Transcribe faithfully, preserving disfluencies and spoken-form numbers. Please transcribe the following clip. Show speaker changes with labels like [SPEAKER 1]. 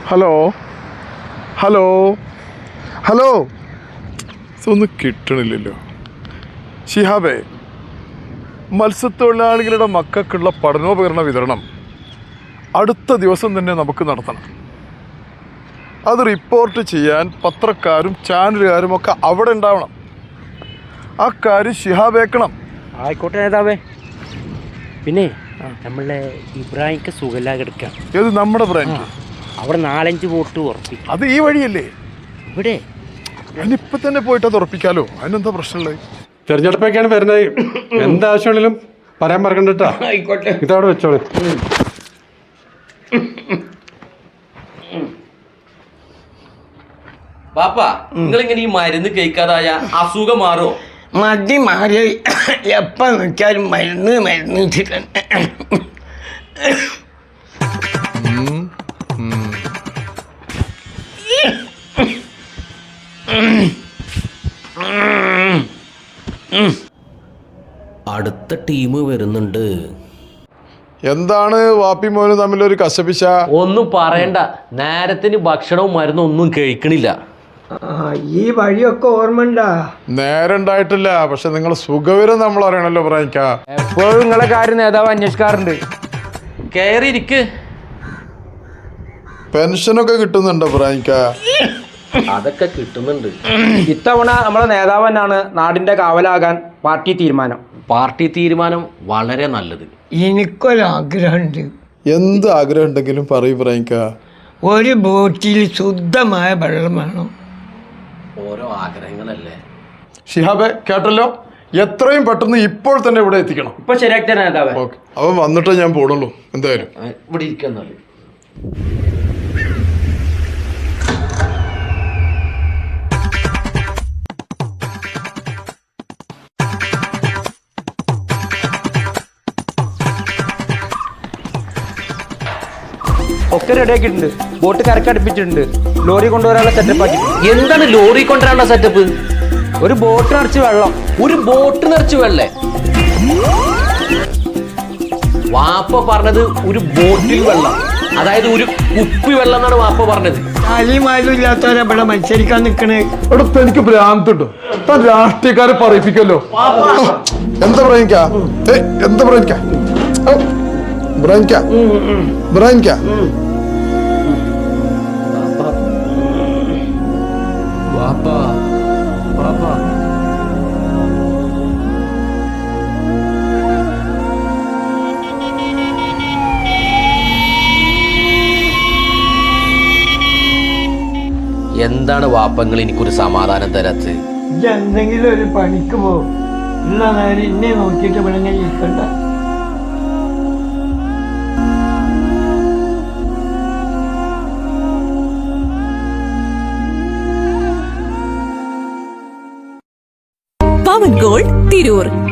[SPEAKER 1] Hello hello hello ഇതൊന്നും കിട്ടണില്ലല്ലോ. ഷിഹാബേ, മത്സ്യത്തൊഴിലാളികളുടെ മക്കൾക്കുള്ള പഠനോപകരണ വിതരണം അടുത്ത ദിവസം തന്നെ നമുക്ക് നടത്തണം. അത് റിപ്പോർട്ട് ചെയ്യാൻ പത്രക്കാരും ചാനലുകാരും ഒക്കെ അവിടെ ഉണ്ടാവണം. ആ കാര്യം ഷിഹാബ് ഏക്കണം.
[SPEAKER 2] ആയിക്കോട്ടെ നേതാവേ. പിന്നെ നമ്മളെ ഇബ്രാഹിംക്ക് സുഖമില്ലാതെ കിടക്കാം.
[SPEAKER 1] ഏത് നമ്മുടെ ബ്രാൻഡ്?
[SPEAKER 2] അവിടെ നാലഞ്ച് വോട്ട് ഉറപ്പിക്കും.
[SPEAKER 1] അത് ഈ വഴിയല്ലേ?
[SPEAKER 2] ഇവിടെ
[SPEAKER 1] അതിനിപ്പം തന്നെ പോയിട്ട് അത് ഉറപ്പിക്കാലോ. അതിനെന്താ പ്രശ്നമുള്ളത്?
[SPEAKER 3] തെരഞ്ഞെടുപ്പൊക്കെയാണ് വരുന്നത്. എന്താവശ്യമാണെങ്കിലും പറയാൻ മറക്കണ്ടട്ടാ.
[SPEAKER 2] ആയിക്കോട്ടെ,
[SPEAKER 3] ഇതവിടെ വെച്ചോളൂ.
[SPEAKER 4] പാപ്പ, നിങ്ങളിങ്ങനെ ഈ മരുന്ന് കഴിക്കാതായ അസുഖം മാറോ?
[SPEAKER 5] മതി മാറി എപ്പം നോക്കിയാലും മരുന്ന് മരുന്ന് വെച്ചിട്ടുണ്ട്.
[SPEAKER 4] അടുത്ത ടീം വരുന്നുണ്ട്.
[SPEAKER 1] എന്താണ് വാപ്പി മോനും തമ്മിലൊരു കശപിശ?
[SPEAKER 4] ഒന്നും പറയണ്ട, നേരത്തിന് ഭക്ഷണവും മരുന്നും ഒന്നും കഴിക്കണില്ല.
[SPEAKER 5] ഈ വഴിയൊക്കെ ഓർമ്മണ്ടാ?
[SPEAKER 1] നേരം ഉണ്ടായിട്ടില്ല, പക്ഷെ നിങ്ങൾ സുഖവിവരം നമ്മൾ അറിയണല്ലോ പ്രായിക്ക.
[SPEAKER 2] എപ്പോഴും നിങ്ങളെ കാര്യം നേതാവ് അന്വേഷിക്കാറുണ്ട്.
[SPEAKER 4] കയറിയിരിക്ക്.
[SPEAKER 1] പെൻഷനൊക്കെ കിട്ടുന്നുണ്ടോ പ്രായിക്ക?
[SPEAKER 4] അതൊക്കെ കിട്ടുന്നുണ്ട്.
[SPEAKER 2] ഇത്തവണ നമ്മളെ നേതാവ് തന്നെയാണ് നാടിന്റെ കാവലാകാൻ പാർട്ടി തീരുമാനം.
[SPEAKER 4] പാർട്ടി തീരുമാനം വളരെ നല്ലത്.
[SPEAKER 5] എനിക്കൊരാഗ്രഹമുണ്ട്.
[SPEAKER 1] എന്ത് ആഗ്രഹം ഉണ്ടെങ്കിലും പറയൂ പ്രായിക്ക.
[SPEAKER 5] ഒരു ബോട്ടിൽ ശുദ്ധമായ വെള്ളം വേണം.
[SPEAKER 4] ഓരോ ആഗ്രഹങ്ങളല്ലേ.
[SPEAKER 1] ഷിഹാബെ, കേട്ടല്ലോ, എത്രയും പെട്ടെന്ന് ഇപ്പോൾ തന്നെ ഇവിടെ എത്തിക്കണം.
[SPEAKER 2] ഇപ്പൊ ശരിയാക്കി തരാം നേതാവ്.
[SPEAKER 1] ഓക്കെ, അവൻ വന്നിട്ടേ ഞാൻ പോടുള്ളൂ. എന്തായാലും
[SPEAKER 4] ഇവിടെ ഇരിക്കുന്നല്ലേ.
[SPEAKER 2] ഒക്കെ റെഡിയാക്കിയിട്ടുണ്ട്. ബോട്ട് കരക്കടുപ്പിച്ചിട്ടുണ്ട്. ലോറി കൊണ്ടുവരാനുള്ള സെറ്റപ്പ് ആക്കിയിട്ടുണ്ട്.
[SPEAKER 4] എന്താണ് ലോറി കൊണ്ടുവരാനുള്ള സെറ്റപ്പ്?
[SPEAKER 2] ഒരു ബോട്ട് നിറച്ച് വെള്ളം.
[SPEAKER 4] ഒരു ബോട്ട് നിറച്ച് വെള്ളേ? വാപ്പ പറഞ്ഞത് ഒരു ബോട്ടിൽ വെള്ളം, അതായത് ഒരു കുപ്പി വെള്ളം എന്നാണ് വാപ്പ പറഞ്ഞത്.
[SPEAKER 5] താലിമാരും ഇല്ലാത്തവരെ ഇവിടെ മത്സരിക്കാൻ നിൽക്കണേ.
[SPEAKER 1] എടുത്ത് എനിക്ക് ഭ്രാന്തുണ്ടോ? താൻ രാഷ്ട്രീയക്കാരെ പറയിപ്പിക്കല്ലോ. എന്താ പ്രായിക്ക? ഏ എന്താ പ്രായിക്ക? ബ്രായിക്ക ബ്രായിക്ക
[SPEAKER 4] വാപ്പ വാപ്പ എന്താണ് വാപ്പങ്ങൾ എനിക്കൊരു സമാധാനം തരാത്ത്?
[SPEAKER 5] എന്തെങ്കിലും ഒരു പണിക്ക് പോകും. ഉള്ള നേരം ഇന്നെ നോക്കിയിട്ട് ഇവിടെ ഇങ്ങനെ ഇരിക്കണ്ട.
[SPEAKER 6] പവൻ ഗോൾഡ് തിരൂർ.